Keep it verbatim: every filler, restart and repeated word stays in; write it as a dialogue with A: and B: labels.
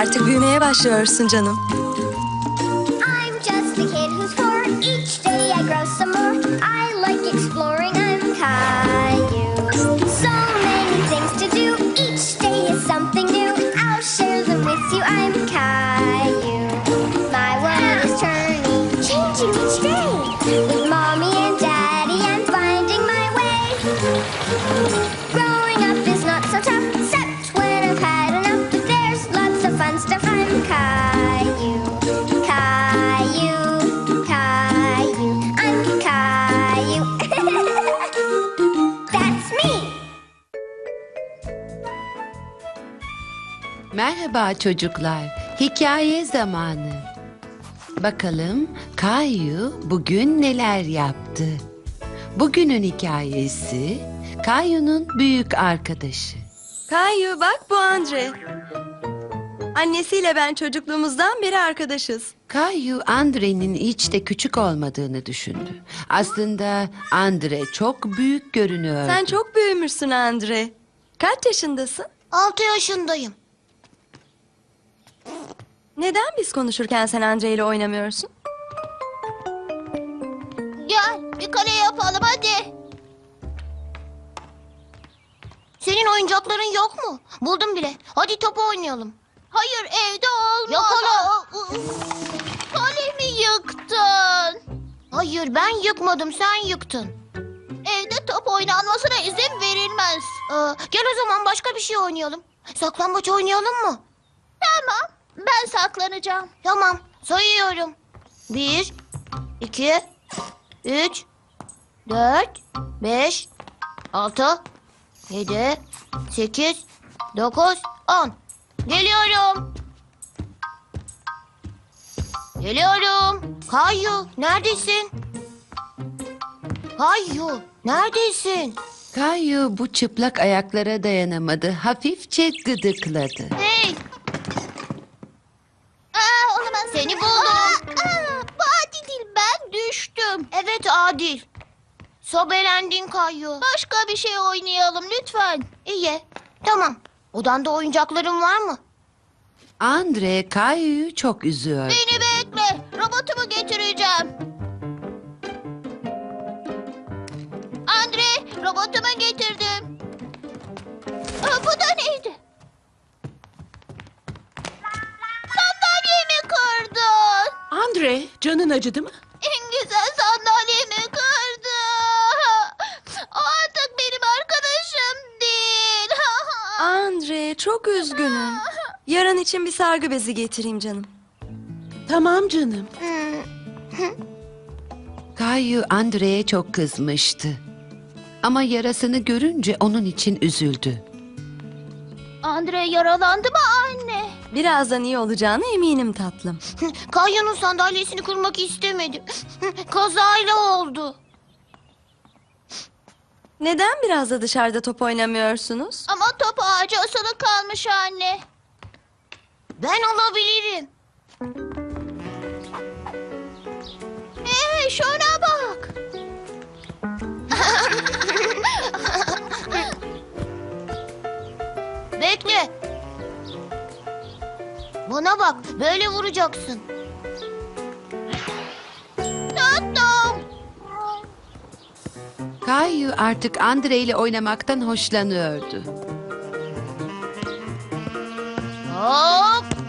A: Artık büyümeye başlıyorsun canım.
B: I'm just a kid who's four. Each day I grow some more. I like exploring. I'm Caillou. So many things to do. Each day is something new. I'll share them with you. I'm Caillou. My world is turning, changing each day. With mommy and daddy, I'm finding my way. Growing up is not so tough, except when I've had enough. But there's lots of fun stuff. I'm Caillou. Caillou, Caillou, I'm Caillou. That's me.
C: Merhaba çocuklar. Hikaye zamanı. Bakalım Caillou bugün neler yaptı? Bugünün hikayesi Caillou'nun büyük arkadaşı.
A: Caillou bak bu Andre. Annesiyle ben çocukluğumuzdan beri arkadaşız.
C: Caillou Andre'nin hiç de küçük olmadığını düşündü. Aslında Andre çok büyük görünüyordu.
A: Sen çok büyümüşsün Andre. Kaç yaşındasın?
B: Altı yaşındayım.
A: Neden biz konuşurken sen Andre ile oynamıyorsun?
B: Gel bir kale yapalım hadi. Senin oyuncakların yok mu? Buldum bile. Hadi top oynayalım. Hayır evde olmaz. Yakala. Kalemi yıktın. Hayır ben yıkmadım sen yıktın. Evde top oynanmasına izin verilmez. Ee, gel o zaman başka bir şey oynayalım. Saklambaç oynayalım mı? Tamam ben saklanacağım. Tamam sayıyorum. Bir, iki, üç, dört, beş, altı, yedi, sekiz, dokuz, on. Geliyorum. Geliyorum. Caillou neredesin? Caillou neredesin?
C: Caillou bu çıplak ayaklara dayanamadı. Hafifçe gıdıkladı.
B: Hey. Aa, olamaz. Seni buldum. Aa, aa, bu adil değil ben düştüm. Evet adil. Sobelendin Caillou. Başka bir şey oynayalım lütfen. İyi. Tamam. Odanda oyuncakların var mı?
C: Andre Caillou'yu çok üzüyordu.
B: Beni bekle. Robotumu getireceğim. Andre, robotumu getirdim. Aa, bu da neydi? Sandalyemi kırdın.
D: Andre, canın acıdı mı?
B: En güzel sandalyemi kırdı. O artık benim arkadaşım değil.
A: Andre çok üzgünüm. Yarın için bir sargı bezi getireyim canım.
D: Tamam canım.
C: Caillou Andre'ye çok kızmıştı. Ama yarasını görünce onun için üzüldü.
B: Andre yaralandı mı anne?
A: Birazdan iyi olacağına eminim tatlım.
B: Caillou'nun sandalyesini kırmak istemedim. Kazayla oldu.
A: Neden biraz da dışarıda top oynamıyorsunuz?
B: Ama top ağacı asılı kalmış anne. Ben alabilirim. Hey şuna bak. Bekle. Bana bak böyle vuracaksın. Tuttum.
C: Caillou artık Andre ile oynamaktan hoşlanıyordu.
B: Hop.